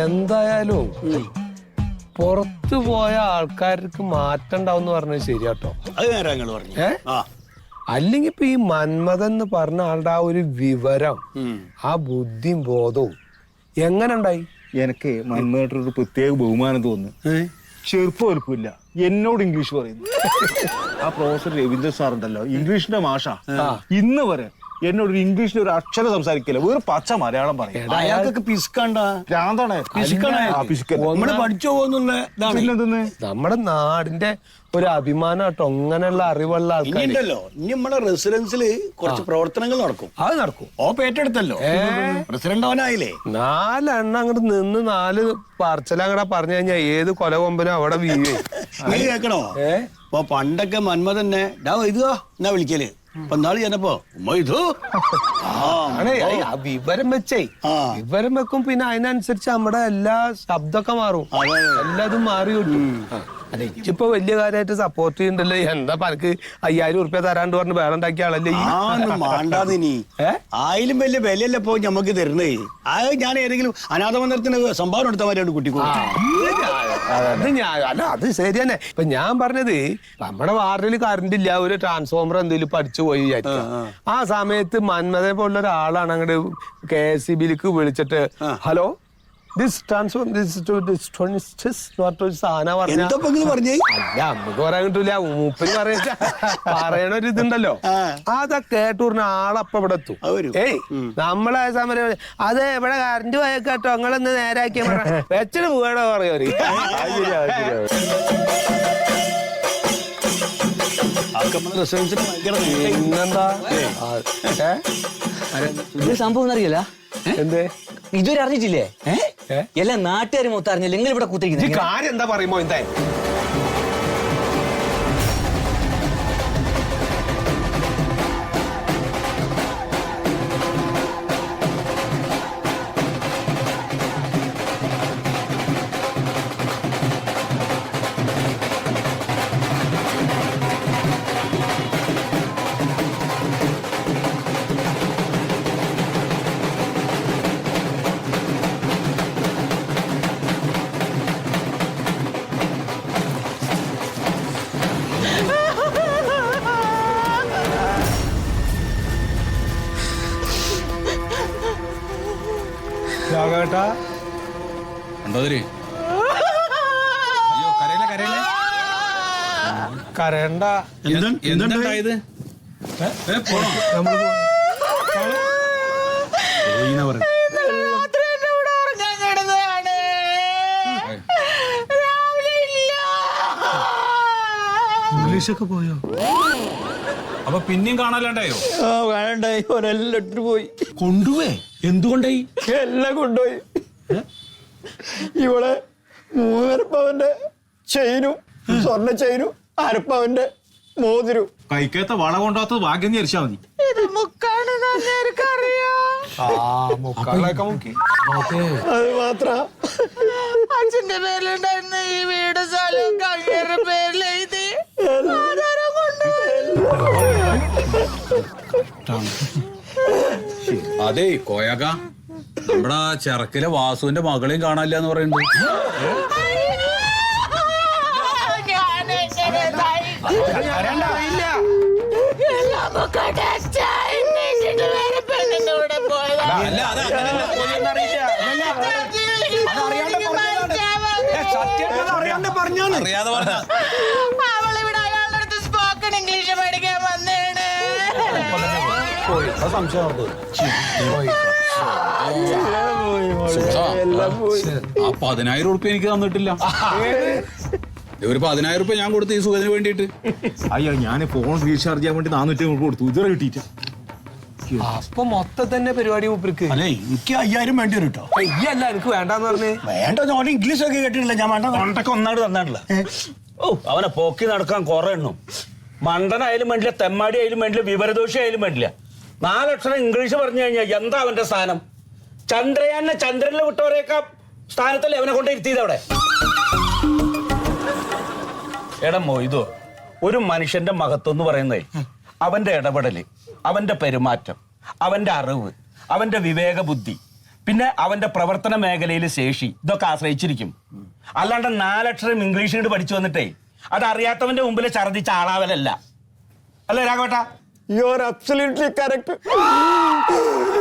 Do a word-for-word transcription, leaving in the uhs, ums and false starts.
എന്തായാലും പുറത്തു പോയ ആൾക്കാർക്ക് മാറ്റം ഉണ്ടാവും പറഞ്ഞത് ശരിയാട്ടോ. അത് നേരം നിങ്ങൾ പറഞ്ഞു. ഏ അല്ലെങ്കിൽ ഇപ്പൊ ഈ മന്മഥൻ എന്ന് പറഞ്ഞ ആളുടെ ആ ഒരു വിവരം, ആ ബുദ്ധിയും ബോധവും എങ്ങനെ ഉണ്ടായി? എനിക്ക് മന്മഥനോട് പ്രത്യേക ബഹുമാനം തോന്നുന്നു. ചെറുപ്പം വലുപ്പില്ല, എന്നോട് ഇംഗ്ലീഷ് പറയുന്നു. ആ പ്രൊഫസർ രവീന്ദ്രൻ സാർ ഉണ്ടല്ലോ, ഇംഗ്ലീഷിന്റെ മാഷ, ഇന്ന് വരെ എന്നോട് ഇംഗ്ലീഷിൽ ഒരു അക്ഷരം സംസാരിക്കില്ല, വേറെ പച്ച മലയാളം പറയും. അയാൾക്കൊക്കെ പിസ്കണ്ട ഭ്രാന്താണ്. നമ്മള് പഠിച്ചു പോകുന്നുള്ള നമ്മുടെ നാടിന്റെ ഒരു അഭിമാനം കേട്ടോ അങ്ങനെയുള്ള അറിവുള്ള ആൾക്കാർ. ഇനിയുണ്ടല്ലോ, ഇനി നമ്മുടെ റെസിഡൻസില് കുറച്ച് പ്രവർത്തനങ്ങൾ നടക്കും. അത് നടക്കും. ഓപ്പ് ഏറ്റെടുത്തല്ലോ, പ്രസിഡന്റ് അവനായില്ലേ. നാലെണ്ണം അങ്ങോട്ട് നിന്ന് നാല് പറച്ചലങ്ങടെ പറഞ്ഞു കഴിഞ്ഞാൽ ഏത് കൊല കൊമ്പനും അവിടെ വീഴേ. നീ കേക്കണോ? ഇപ്പൊ പണ്ടൊക്കെ മന്മ തന്നെ ഡാ ഇതുവാ എന്നാ വിളിക്കല്. അപ്പൊ നാളെ ചെന്നപ്പോ ഇത് വിവരം വെച്ചേ വിവരം വെക്കും. പിന്നെ അതിനനുസരിച്ച് നമ്മുടെ എല്ലാ ശബ്ദമൊക്കെ മാറും, എല്ലാതും മാറി കിട്ടും. അല്ല ഇപ്പൊ വലിയ കാര്യമായിട്ട് സപ്പോർട്ട് ചെയ്യണ്ടല്ലോ. എന്താ പനക്ക് അയ്യായിരം ഉറുപ്പ്യ തരാണ്ട് പറഞ്ഞ് വേറെ ഉണ്ടാക്കിയ ആളല്ലേ. മാണ്ടാതിനി ആയാലും വലിയ വിലയല്ല ഇപ്പൊ ഞമ്മക്ക് തരണേ. അത് ഞാൻ ഏതെങ്കിലും അനാഥ മന്ദിരത്തിന് സംഭാവന എടുത്ത മാതിരി കുട്ടിക്കോ. അത് ഞാൻ അല്ല അത് ശരി തന്നെ. ഇപ്പൊ ഞാൻ പറഞ്ഞത് നമ്മുടെ വാർഡിൽ കറണ്ട് ഇല്ല, ഒരു ട്രാൻസ്ഫോമർ എന്തെങ്കിലും പഠിച്ചു പോയി വിചാരിക്കാം. ആ സമയത്ത് മന്മഥനെ പോലുള്ള ഒരാളാണ് അങ്ങോട്ട് കെ എസ് ഇ ബിയിലേക്ക് വിളിച്ചിട്ട് ഹലോ ദിസ് ട്രാൻസ്ഫോം സാധന പറഞ്ഞ നമുക്ക് പറയാൻ കിട്ടൂല, മൂപ്പര് പറയ പറയണ ഒരു ഇതുണ്ടല്ലോ. അതൊക്കെ കേട്ടു പറഞ്ഞ ആളപ്പ ഇവിടെ എത്തും. ഏയ് നമ്മളെ സമരം അതെ ഇവിടെ കറണ്ട് പോയ കേട്ടോ നിങ്ങളൊന്ന് നേരാക്കിയ വെച്ചിട്ട് പോകണോ പറയോ. പിന്നെന്താ സംഭവം അറിയില്ല. എന്തേ ഇതുവരെ അറിഞ്ഞിട്ടില്ലേ? എല്ലാ നാട്ടുകാരും മൊത്തം അറിഞ്ഞില്ല. നിങ്ങൾ ഇവിടെ കുത്തിരിക്കുന്നത് കാര്യം എന്താ പറയുമ്പോ എന്തായാലും കരയണ്ട. എന്താണ്ടായത്? ഇംഗ്ലീഷൊക്കെ പോയോ? അപ്പൊ പിന്നെയും കാണാനുണ്ടായോ? കാണണ്ടായി. ഒരെല്ലാം ഇട്ടിട്ട് പോയി. കൊണ്ടുപോയി? എന്തുകൊണ്ടായി? എല്ലാം കൊണ്ടുപോയി. ഇവിടെ മൂന്നരപ്പവന്റെ ചെയിനും സ്വർണ്ണ ചെയിനും അരപ്പവന്റെ മോതിരും. കൈക്കത്തെ വള കൊണ്ടാത്തത് ഭാഗ്യം വിചാരിച്ചാ മതി. അത് മാത്ര അച്ഛന്റെ പേരിലുണ്ടായിരുന്ന ഈ വീട് സ്ഥലവും അങ്ങേരുടെ പേരിലെഴുതി അതെ കോയക നമ്മുടെ ചെറുക്കിലെ വാസുവിന്റെ മകളെയും കാണാനില്ല എന്ന് പറയുന്നുണ്ട്. അവളിവിടെ അയാളുടെ അടുത്ത് സ്പോക്കൺ ഇംഗ്ലീഷ് പഠിക്കാൻ വന്നേണ്. ആ പതിനായിരം ഉറുപ്പ്യ എനിക്ക് തന്നിട്ടില്ല. ഒരു പതിനായിരം ഉറുപ്പ്യ ഞാൻ കൊടുത്തു ഈ സുഖത്തിന് വേണ്ടിട്ട്. അയ്യോ ഞാൻ ഫോൺ റീചാർജ് ചെയ്യാൻ വേണ്ടി നാനൂറ്റി അമ്പത് കൊടുത്തു, ഇതുവരെ കിട്ടിയിട്ട. അപ്പൊ മൊത്തം തന്നെ പരിപാടി മൂപ്പർക്ക്. അല്ലേ എനിക്ക് അയ്യായിരം വേണ്ടി വരും കേട്ടോ. അയ്യല്ല എനിക്ക് വേണ്ടാന്ന് പറഞ്ഞേ. വേണ്ട ഞാൻ ഇംഗ്ലീഷ് ഒക്കെ കേട്ടിട്ടില്ല. ഞാൻ വേണ്ട കൊണ്ടൊക്കെ ഒന്നായിട്ട് തന്നാട്ടില്ല. ഓ അവനെ പോക്കി നടക്കാൻ കുറെ എണ്ണും. മണ്ടനായാലും വേണ്ടില്ല, തെമ്മാടി ആയാലും വേണ്ടില്ല, വിവരദോഷി ആയാലും വേണ്ടില്ല. നാലക്ഷരം ഇംഗ്ലീഷ് പറഞ്ഞു കഴിഞ്ഞാൽ എന്താ അവന്റെ സ്ഥാനം? ചന്ദ്രയാനെ ചന്ദ്രനിൽ വിട്ടവരെയൊക്കെ സ്ഥാനത്തല്ലേ അവനെ കൊണ്ട് ഇരുത്തിയത് അവിടെ. എടാ മൊയ്തോ, ഒരു മനുഷ്യന്റെ മഹത്വം എന്ന് പറയുന്നത് അവന്റെ ഇടപെടല്, അവന്റെ പെരുമാറ്റം, അവന്റെ അറിവ്, അവന്റെ വിവേക ബുദ്ധി. പിന്നെ അവന്റെ പ്രവർത്തന മേഖലയിൽ ശേഷി ഇതൊക്കെ ആശ്രയിച്ചിരിക്കും. അല്ലാണ്ട് നാലക്ഷരം ഇംഗ്ലീഷ് കൊണ്ട് പഠിച്ചു വന്നിട്ടേ അത് അറിയാത്തവന്റെ മുമ്പിൽ ഛർദിച്ച ആളാവലല്ല. അല്ലേ രാഘവേട്ടാ? You are absolutely correct.